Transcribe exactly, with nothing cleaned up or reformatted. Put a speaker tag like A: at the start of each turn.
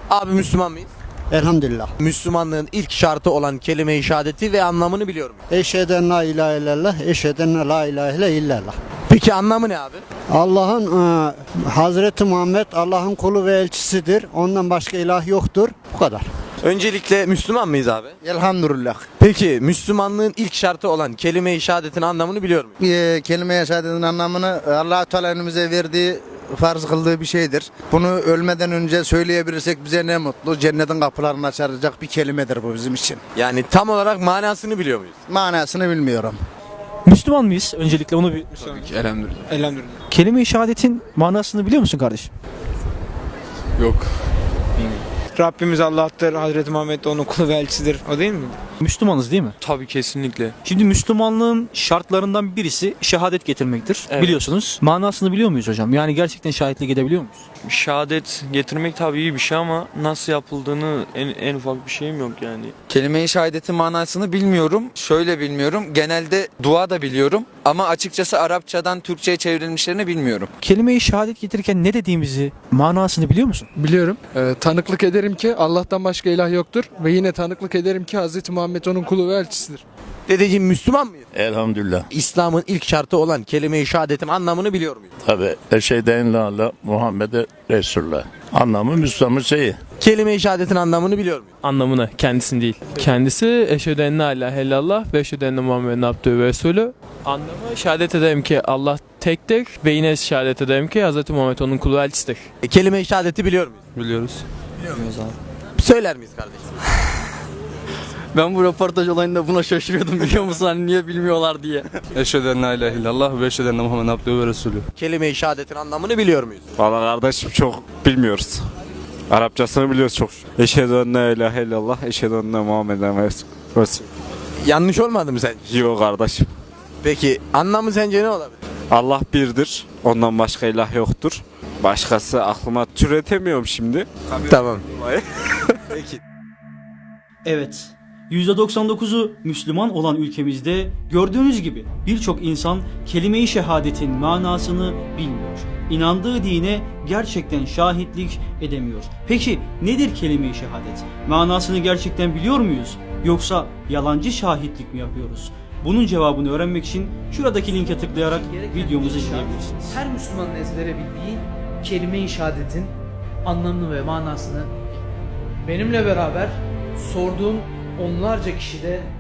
A: Abi Müslüman mıyız?
B: Elhamdülillah.
A: Müslümanlığın ilk şartı olan kelime-i şehadeti ve anlamını biliyor muyuz?
B: Eşheden la ilahe illallah, eşheden la ilahe illallah.
A: Peki anlamı ne abi?
B: Allah'ın e, Hazreti Muhammed Allah'ın kulu ve elçisidir. Ondan başka ilah yoktur. Bu kadar.
A: Öncelikle Müslüman mıyız abi?
C: Elhamdülillah.
A: Peki Müslümanlığın ilk şartı olan kelime-i şehadetin anlamını biliyor muyuz?
C: Ee, kelime-i şehadetin anlamını Allah-u Teala önümüze verdiği, farz kıldığı bir şeydir. Bunu ölmeden önce söyleyebilirsek bize ne mutlu. Cennetin kapılarını açacak bir kelimedir bu bizim için.
A: Yani tam olarak manasını biliyor muyuz?
C: Manasını bilmiyorum.
D: Müslüman mıyız? Öncelikle onu bir
E: Tabii ki elhamdülillah.
D: elhamdülillah. Kelime-i şehadetin manasını biliyor musun kardeşim?
E: Yok.
F: Rabbimiz Allah'tır, Hazreti Muhammed de onun kulu ve elçisidir. O değil mi?
D: Müslümanız değil mi?
E: Tabii kesinlikle.
D: Şimdi Müslümanlığın şartlarından birisi şehadet getirmektir.
E: Evet.
D: Biliyorsunuz. Manasını biliyor muyuz hocam? Yani gerçekten şahitlik edebiliyor muyuz?
E: Şehadet getirmek tabii iyi bir şey ama nasıl yapıldığını en, en ufak bir şeyim yok yani.
G: Kelime-i şehadetin manasını bilmiyorum. Şöyle bilmiyorum. Genelde dua da biliyorum. Ama açıkçası Arapçadan Türkçe'ye çevrilmişlerini bilmiyorum.
D: Kelime-i şehadet getirirken ne dediğimizi, manasını biliyor musun?
H: Biliyorum. Ee, tanıklık ederim ki Allah'tan başka ilah yoktur ve yine tanıklık ederim ki Hazreti Muhammed onun kulu ve elçisidir.
A: Dedeciğim Müslüman mıyız?
I: Elhamdülillah.
A: İslam'ın ilk şartı olan kelime-i şehadetin anlamını biliyor muyuz?
I: Tabi eşhedü la ilahe Muhammed'e Resulullah. Anlamı Müslümanın şeyi.
A: Kelime-i şehadetin anlamını biliyor muyuz?
J: Anlamını, kendisini değil. Kendisi eşhedü en la ilahe illallah ve eşhedü enne Muhammeden abdühü ve resulü. Anlamı şehadet ederim ki Allah tektir ve yine şehadet ederim ki Hz. Muhammed onun kulu ve elçisidir.
A: E, kelime-i şehadeti biliyor muyuz?
E: Biliyoruz.
A: Söyler miyiz kardeşim?
K: Ben bu röportaj olayında buna şaşırıyordum biliyor musun? Hani niye bilmiyorlar diye.
E: Eşhedü en la ilahe illallah ve eşhedü enne Muhammeden abdühü ve resulü.
A: Kelime-i şehadetin anlamını biliyor muyuz?
L: Valla kardeşim çok bilmiyoruz. Arapçasını biliyoruz çok. Eşhedü en la ilahe illallah, eşhedü enne Muhammeden Resul.
A: Yanlış olmadı mı sence?
L: Yok kardeşim.
A: Peki anlamı sence ne olabilir?
L: Allah birdir. Ondan başka ilah yoktur. Başkası aklıma türetemiyorum şimdi.
A: Tamam. Peki.
D: Evet. yüzde doksan dokuzu Müslüman olan ülkemizde gördüğünüz gibi birçok insan kelime-i şehadetin manasını bilmiyor. İnandığı dine gerçekten şahitlik edemiyor. Peki nedir kelime-i şehadet? Manasını gerçekten biliyor muyuz? Yoksa yalancı şahitlik mi yapıyoruz? Bunun cevabını öğrenmek için şuradaki linke tıklayarak videomuzu izleyebilirsiniz.
M: Her Müslümanın ezbere bildiği kelime-i şehadetin anlamını ve manasını benimle beraber sorduğum onlarca kişide